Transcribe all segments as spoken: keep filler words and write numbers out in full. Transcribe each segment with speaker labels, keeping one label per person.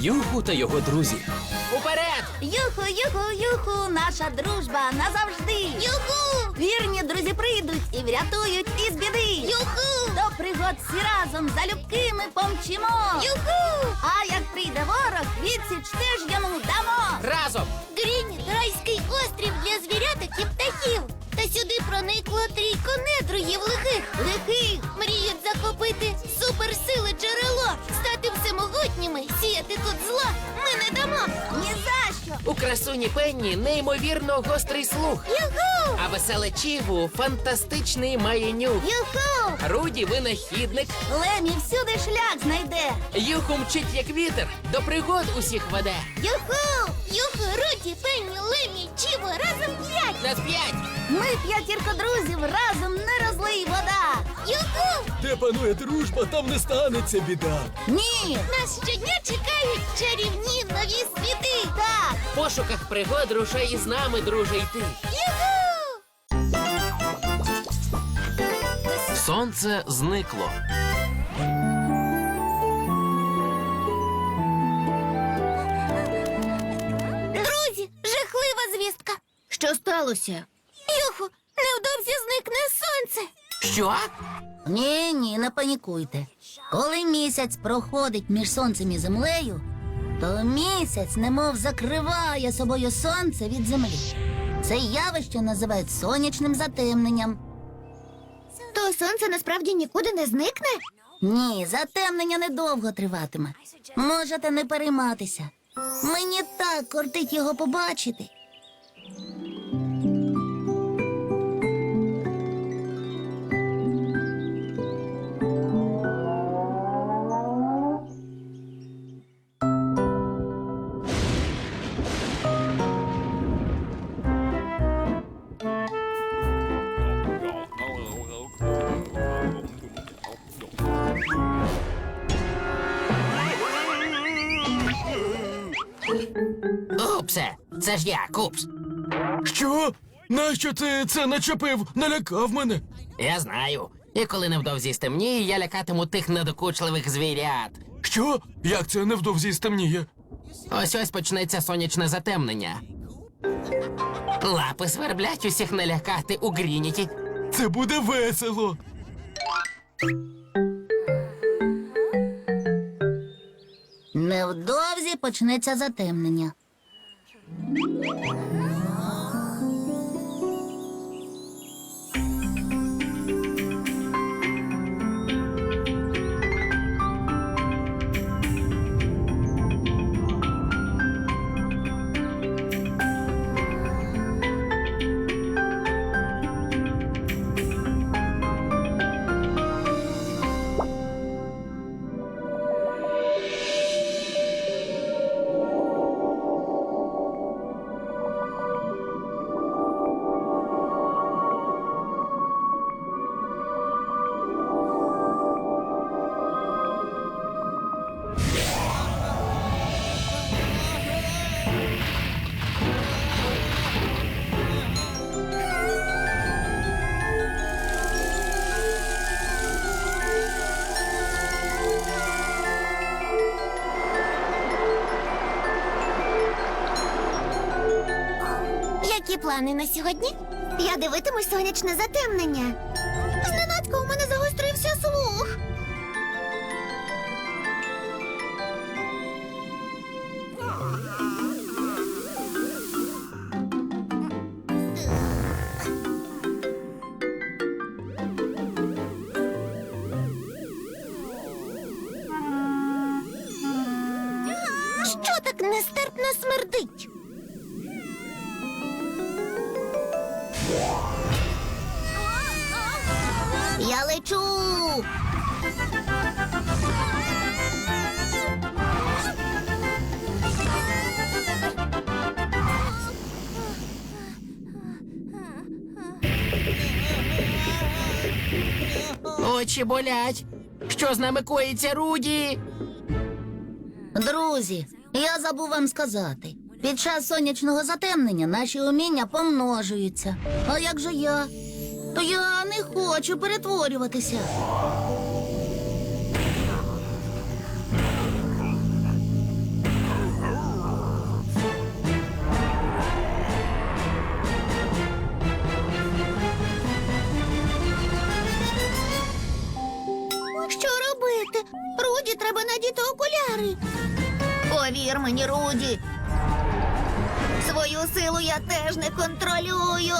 Speaker 1: Юху та його друзі. Уперед!
Speaker 2: Юху, юху, юху, наша дружба назавжди. Юху! Вірні друзі прийдуть і врятують із біди. Юху! До пригод всі разом залюбки ми помчимо. Юху! А як прийде ворог, відсіч теж йому дамо.
Speaker 1: Разом!
Speaker 2: Грінь – райський острів для звіряток і птахів. Та сюди проникло трійко недругів лихих. Лихих мріють захопити суперсили джерело, стати всемогутніми, сіяти тут зло ми не дамо. Ні за що.
Speaker 1: У красуні Пенні неймовірно гострий слух.
Speaker 2: Юху!
Speaker 1: А веселе Чігу фантастичний має нюх.
Speaker 2: Юху!
Speaker 1: Руді винахідник.
Speaker 2: Лемі всюди шлях знайде.
Speaker 1: Юху мчить як вітер, до пригод усіх веде.
Speaker 2: Юху! Юху, Руді, Пенні, Лемі, Чіво, разом п'ять.
Speaker 1: Нас п'ять!
Speaker 2: Ми п'ятірка друзів, разом не розлий вода. Юху!
Speaker 3: Де панує дружба, там не станеться біда.
Speaker 2: Ні! Нас щодня чекають чарівні нові світи. Так!
Speaker 1: В пошуках пригод рушай із нами, друже, йти.
Speaker 2: Юху!
Speaker 1: Сонце зникло.
Speaker 2: Друзі, жахлива звістка. Що сталося? Юху, невдовзі зникне сонце.
Speaker 1: Що?
Speaker 2: Ні, ні, не панікуйте. Коли місяць проходить між сонцем і землею, то місяць немов закриває собою сонце від землі. Це явище називають сонячним затемненням. То сонце насправді нікуди не зникне? Ні, затемнення недовго триватиме. Можете не перейматися. Мені так кортить його побачити.
Speaker 1: Упсе, це ж я, Купс.
Speaker 3: Що? Нащо ти це начепив? Налякав мене.
Speaker 1: Я знаю. І коли невдовзі стемніє, я лякатиму тих недокучливих звірят.
Speaker 3: Що? Як це невдовзі стемніє?
Speaker 1: Ось-ось почнеться сонячне затемнення. Лапи сверблять усіх налякати у Грініті.
Speaker 3: Це буде весело.
Speaker 2: Невдовзі почнеться затемнення. Які плани на сьогодні? Я дивитимусь сонячне затемнення. Зненацька у мене загострився слух. Що так нестерпно смердить? Я лечу.
Speaker 1: Очі болять. Що з нами коїться, Руді?
Speaker 2: Друзі, я забув вам сказати. Під час сонячного затемнення наші уміння помножуються. А як же я? То я не хочу перетворюватися. Руді треба надіти окуляри. Повір мені, Руді. Свою силу я теж не контролюю.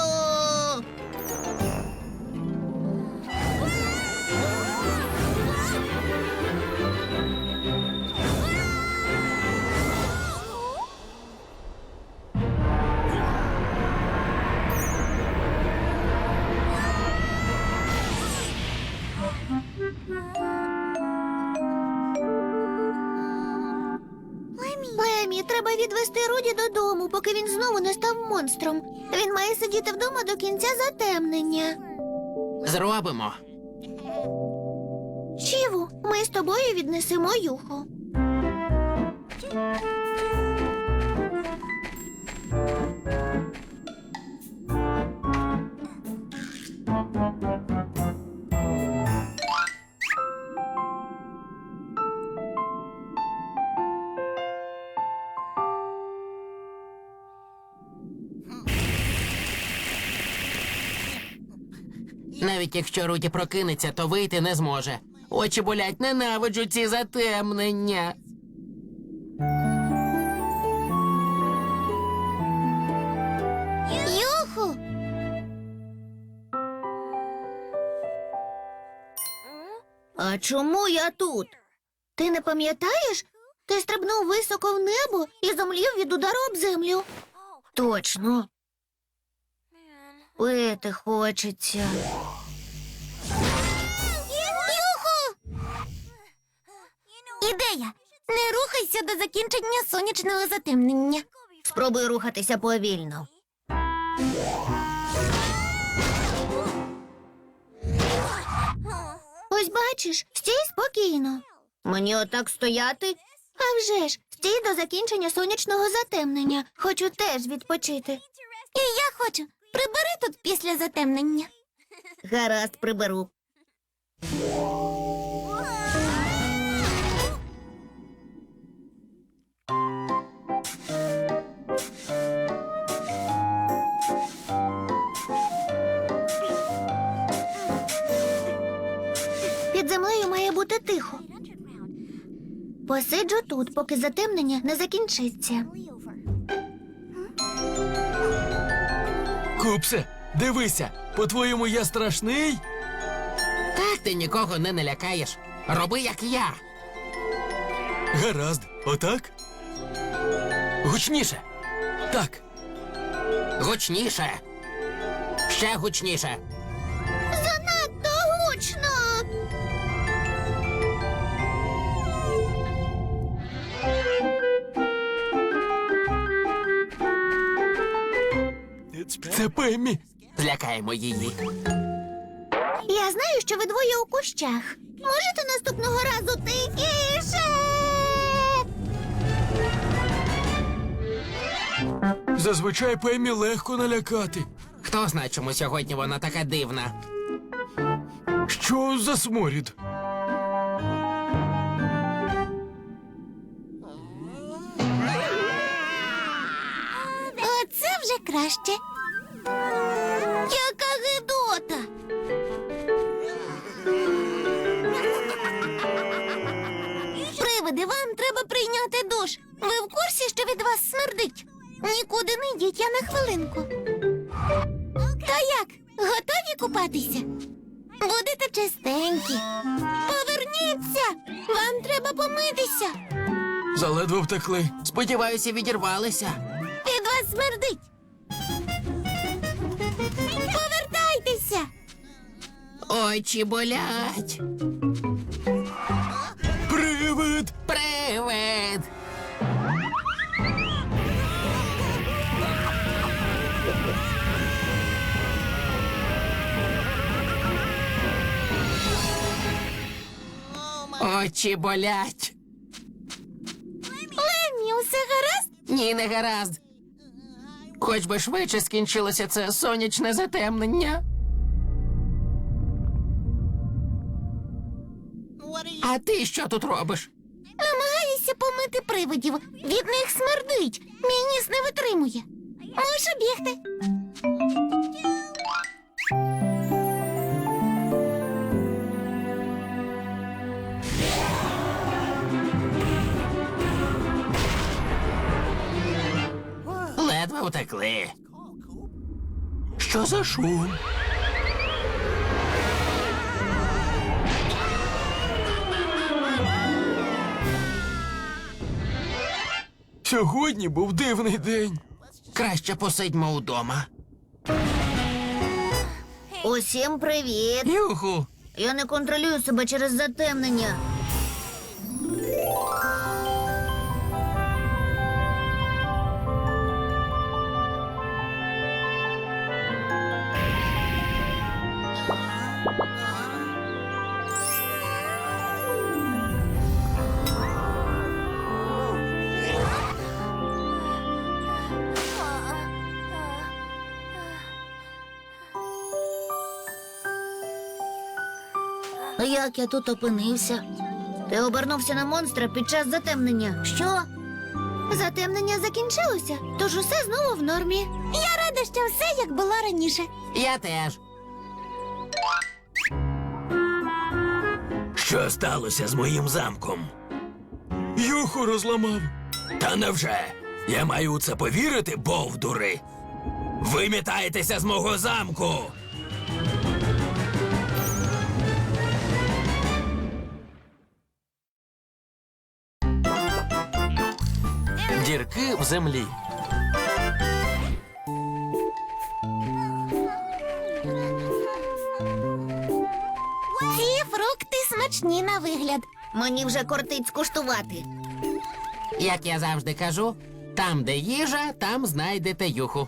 Speaker 2: Лемі, треба відвести Руді додому, поки він знову не став монстром. Він має сидіти вдома до кінця затемнення.
Speaker 1: Зробимо.
Speaker 2: Чіву, ми з тобою віднесемо Юху.
Speaker 1: Навіть якщо Руді прокинеться, то вийти не зможе. Очі болять, ненавиджу ці затемнення.
Speaker 2: Юху! А чому я тут? Ти не пам'ятаєш? Ти стрибнув високо в небо і зомлів від удару об землю. Точно. Пити хочеться. Юху! Ідея! Не рухайся до закінчення сонячного затемнення. Спробуй рухатися повільно. Ось бачиш, стій спокійно. Мені отак стояти? А вже ж, стій до закінчення сонячного затемнення. Хочу теж відпочити. І я хочу. Прибери тут після затемнення. Гаразд, приберу. Під землею має бути тихо. Посиджу тут, поки затемнення не закінчиться.
Speaker 3: Купсе, дивися, по-твоєму я страшний?
Speaker 1: Так ти нікого не налякаєш. Роби, як я.
Speaker 3: Гаразд, отак? Гучніше. Так.
Speaker 1: Гучніше. Ще гучніше.
Speaker 2: Занадто гучно!
Speaker 3: Це Пеммі.
Speaker 1: Злякаємо її.
Speaker 2: Я знаю, що ви двоє у кущах. Можете наступного разу тихіше?
Speaker 3: Зазвичай Пеммі легко налякати.
Speaker 1: Хто знає, чому сьогодні вона така дивна?
Speaker 3: Що за сморід?
Speaker 2: Оце вже краще. Яка гидота! Привиди, вам треба прийняти душ. Ви в курсі, що від вас смердить? Нікуди не йдіть, я на хвилинку. Та як? Готові купатися? Будете чистенькі. Поверніться! Вам треба помитися.
Speaker 3: Заледве втекли.
Speaker 1: Сподіваюся, відірвалися.
Speaker 2: Від вас смердить. Повертайтеся.
Speaker 1: Очі болять.
Speaker 3: Привид!
Speaker 1: Привид! Очі болять.
Speaker 2: Лемі, усе гаразд?
Speaker 1: Ні, не гаразд. Хоч би швидше скінчилося це сонячне затемнення. А ти що тут робиш?
Speaker 2: Намагаюся помити привидів. Від них смердить. Мій ніс не витримує. Мушу бігти.
Speaker 1: утекли. Що за шум?
Speaker 3: Сьогодні був дивний день.
Speaker 1: Краще посидьмо удома.
Speaker 2: Усім привіт!
Speaker 1: Юху!
Speaker 2: Я не контролюю себе через затемнення. А як я тут опинився? Ти обернувся на монстра під час затемнення. Що? Затемнення закінчилося, тож усе знову в нормі. Я рада, що все як було раніше.
Speaker 1: Я теж.
Speaker 4: Що сталося з моїм замком?
Speaker 3: Юху розламав.
Speaker 4: Та невже? Я маю у це повірити, бовдури? Вимітаєтеся з мого замку!
Speaker 1: Дірки в землі.
Speaker 2: Ці фрукти смачні на вигляд. Мені вже кортить скуштувати.
Speaker 1: Як я завжди кажу, там, де їжа, там знайдете юху.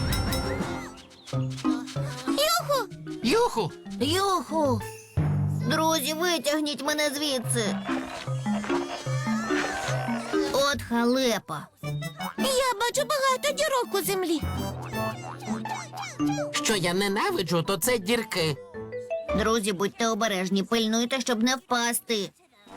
Speaker 2: Юху!
Speaker 1: Юху!
Speaker 2: Юху! Друзі, витягніть мене звідси. От халепа. Я бачу багато дірок у землі.
Speaker 1: Що я ненавиджу, то це дірки.
Speaker 2: Друзі, будьте обережні, пильнуйте, щоб не впасти.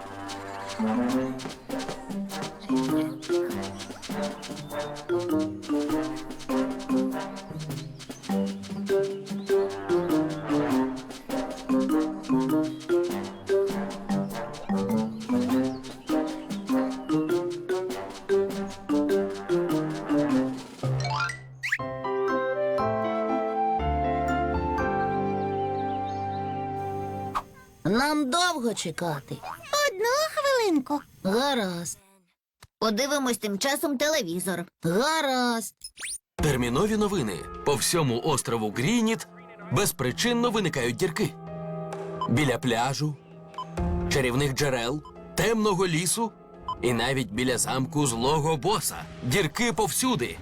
Speaker 2: Нам довго чекати. Одну хвилинку. Гаразд. Подивимось тим часом телевізор. Гаразд.
Speaker 3: Термінові новини. По всьому острову Грініт безпричинно виникають дірки. Біля пляжу, чарівних джерел, темного лісу і навіть біля замку злого боса. Дірки повсюди.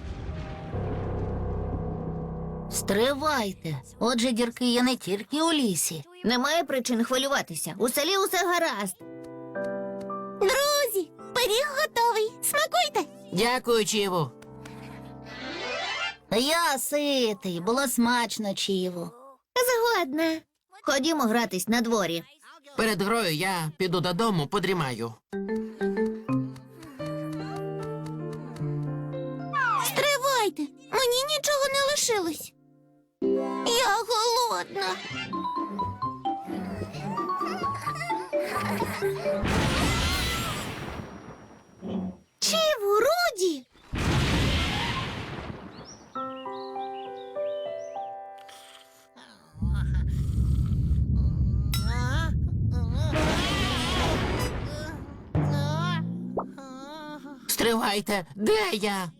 Speaker 2: Стривайте. Отже, дірки є не тільки у лісі. Немає причин хвилюватися. У селі усе гаразд. Друзі, пиріг готовий. Смакуйте.
Speaker 1: Дякую, Чіву.
Speaker 2: Я ситий. Було смачно, Чіву. Згодна. Ходімо гратись на дворі.
Speaker 1: Перед грою я піду додому, подрімаю.
Speaker 2: Стривайте. Мені нічого не лишилось. Я голодна. Чіву, Руді!
Speaker 1: Стривайте, де я?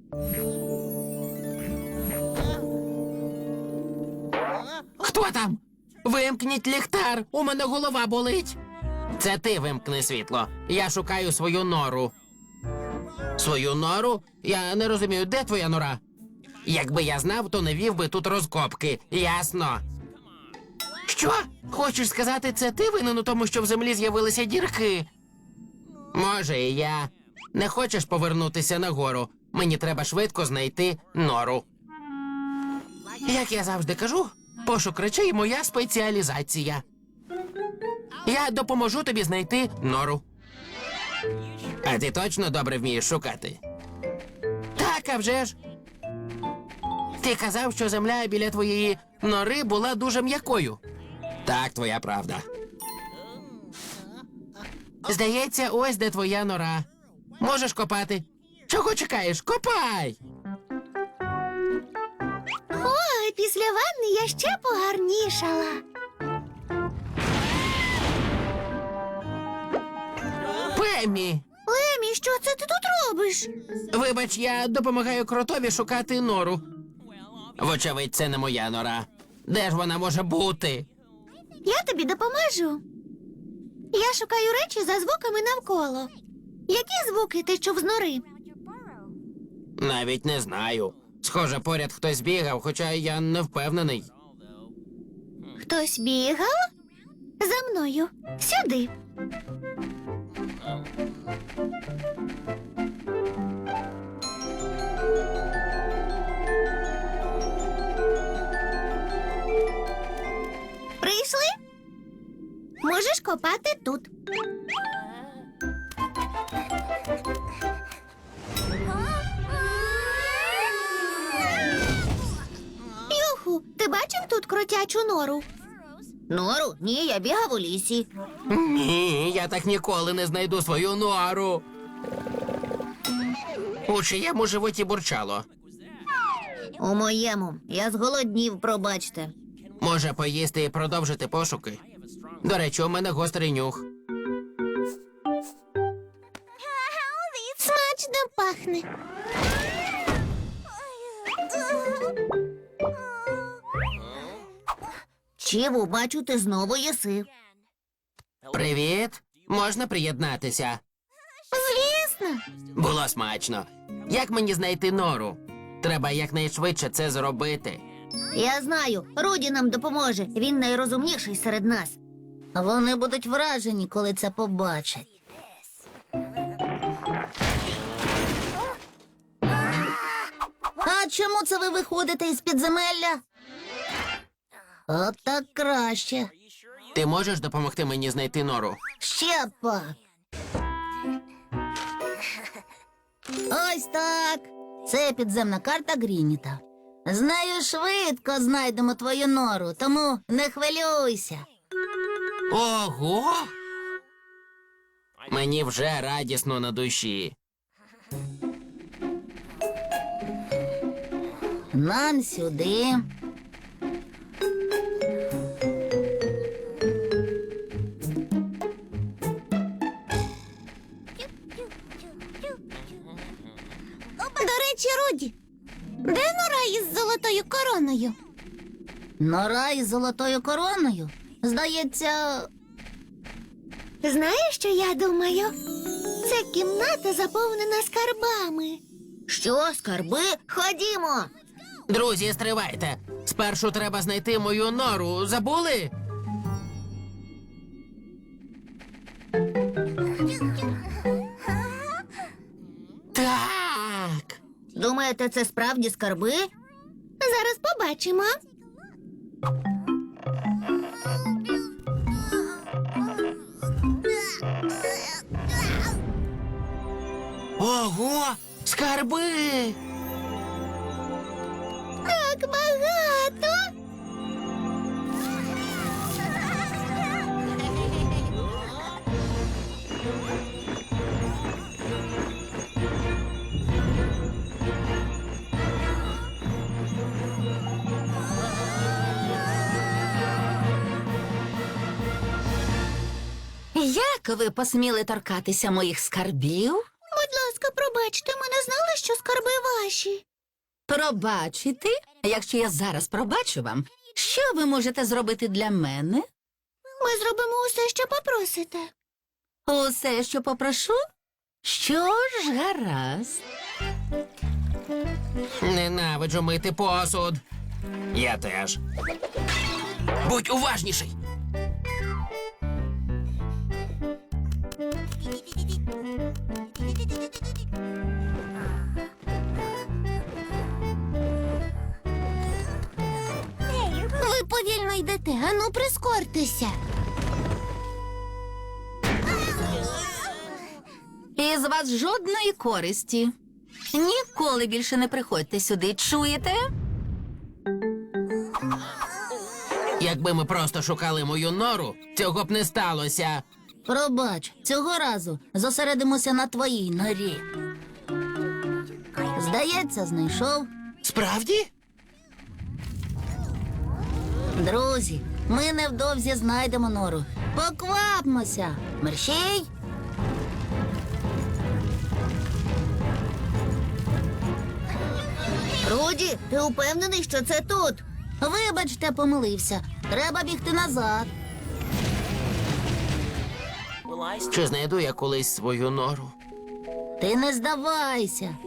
Speaker 1: Хто там? Вимкніть ліхтар, у мене голова болить. Це ти вимкни світло. Я шукаю свою нору. Свою нору? Я не розумію, де твоя нора? Якби я знав, то не вів би тут розкопки. Ясно. Що? Хочеш сказати, це ти винен у тому, що в землі з'явилися дірки? Може, і я. Не хочеш повернутися нагору? Мені треба швидко знайти нору. Як я завжди кажу, пошук речей – моя спеціалізація. Я допоможу тобі знайти нору. А ти точно добре вмієш шукати? Так, а вже ж. Ти казав, що земля біля твоєї нори була дуже м'якою. Так, твоя правда. Здається, ось де твоя нора. Можеш копати. Чого чекаєш? Копай!
Speaker 5: після ванни я ще погарнішала.
Speaker 1: Пеммі!
Speaker 5: Лемі, що це ти тут робиш?
Speaker 1: Вибач, я допомагаю кротові шукати нору. Вочевидь, це не моя нора. Де ж вона може бути?
Speaker 5: Я тобі допоможу. Я шукаю речі за звуками навколо. Які звуки ти чув з нори?
Speaker 1: Навіть не знаю. Схоже, поряд хтось бігав, хоча я не впевнений.
Speaker 5: Хтось бігав? За мною. Сюди. Прийшли? Можеш копати тут. Юху, ти бачив тут кротячу нору?
Speaker 2: Нору? Ні, я бігав у лісі.
Speaker 1: Ні, я так ніколи не знайду свою нору. У чиєму животі бурчало.
Speaker 2: У моєму. Я зголоднів, пробачте.
Speaker 1: Може поїсти і продовжити пошуки? До речі, у мене гострий нюх.
Speaker 5: Смачно пахне.
Speaker 2: Чіву, бачу, ти знову їси.
Speaker 1: Привіт! Можна приєднатися?
Speaker 5: Звісно.
Speaker 1: Було смачно. Як мені знайти нору? Треба якнайшвидше це зробити.
Speaker 2: Я знаю, Руді нам допоможе. Він найрозумніший серед нас. Вони будуть вражені, коли це побачать. А чому це ви виходите із підземелля? От так краще.
Speaker 1: Ти можеш допомогти мені знайти нору?
Speaker 2: Ще пак. Ось так. Це підземна карта Грініта. З нею швидко знайдемо твою нору, тому не хвилюйся.
Speaker 1: Ого! Мені вже радісно на душі.
Speaker 2: Нам сюди.
Speaker 5: До речі, Руді, де нора із золотою короною?
Speaker 2: Нора із золотою короною? Здається,
Speaker 5: Знаєш, що я думаю? Це кімната заповнена скарбами.
Speaker 2: що, скарби? Ходімо.
Speaker 1: Друзі, стривайте. Спершу треба знайти мою нору. Забули? Так.
Speaker 2: Думаєте, це справді скарби?
Speaker 5: Зараз побачимо.
Speaker 1: Ого! Скарби!
Speaker 5: Так багато.
Speaker 6: Як ви посміли торкатися моїх скарбів?
Speaker 5: Будь ласка, пробачте, ми не знали, що скарби ваші.
Speaker 6: Пробачити? Якщо я зараз пробачу вам, що ви можете зробити для мене?
Speaker 5: Ми зробимо усе, що попросите.
Speaker 6: Усе, що попрошу? Що ж, гаразд.
Speaker 1: Ненавиджу мити посуд. Я теж. Будь уважніший.
Speaker 5: Ви повільно йдете, ану прискортеся.
Speaker 6: Із вас жодної користі. Ніколи більше не приходьте сюди, чуєте?
Speaker 1: Якби ми просто шукали мою нору, цього б не сталося.
Speaker 2: Пробач, цього разу зосередимося на твоїй норі. Здається, знайшов.
Speaker 1: Справді?
Speaker 2: Друзі, ми невдовзі знайдемо нору. Поквапмося. Мерщій.
Speaker 5: Руді, ти упевнений, що це тут?
Speaker 2: Вибачте, помилився. Треба бігти назад.
Speaker 1: Чи знайду я колись свою нору?
Speaker 2: Ти не здавайся.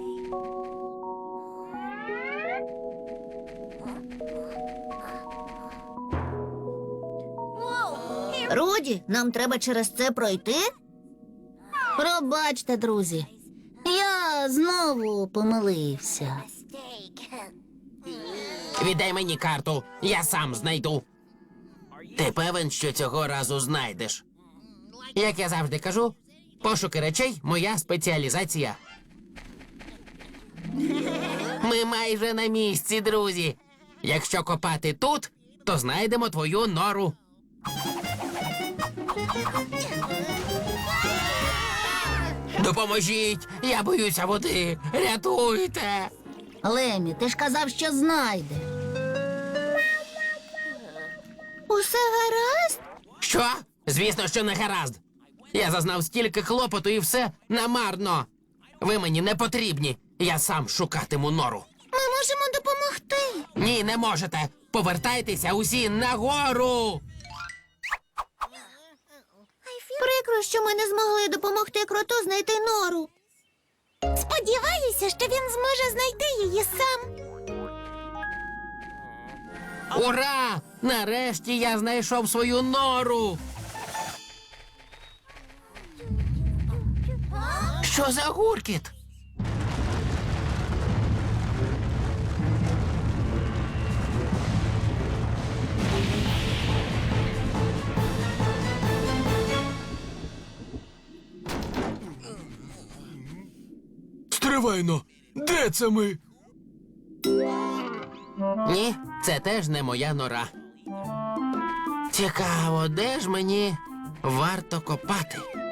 Speaker 5: Руді, нам треба через це пройти?
Speaker 2: Пробачте, друзі. Я знову помилився.
Speaker 1: Віддай мені карту, я сам знайду. Ти певен, що цього разу знайдеш? Як я завжди кажу, пошуки речей – моя спеціалізація. Ми майже на місці, друзі. Якщо копати тут, то знайдемо твою нору. Допоможіть! Я боюся води! Рятуйте!
Speaker 2: Лемі, ти ж казав, що знайде.
Speaker 5: Усе гаразд?
Speaker 1: Що? Звісно, що не гаразд. Я зазнав стільки клопоту і все намарно. Ви мені не потрібні. Я сам шукатиму нору.
Speaker 5: Ми можемо допомогти.
Speaker 1: Ні, не можете. Повертайтеся усі нагору.
Speaker 5: Прикро, що ми не змогли допомогти кроту знайти нору. Сподіваюся, що він зможе знайти її сам.
Speaker 1: Ура! Нарешті я знайшов свою нору. Що за гуркіт?
Speaker 3: Стривайно! Де це ми?
Speaker 1: Ні, це теж не моя нора. Цікаво, де ж мені варто копати?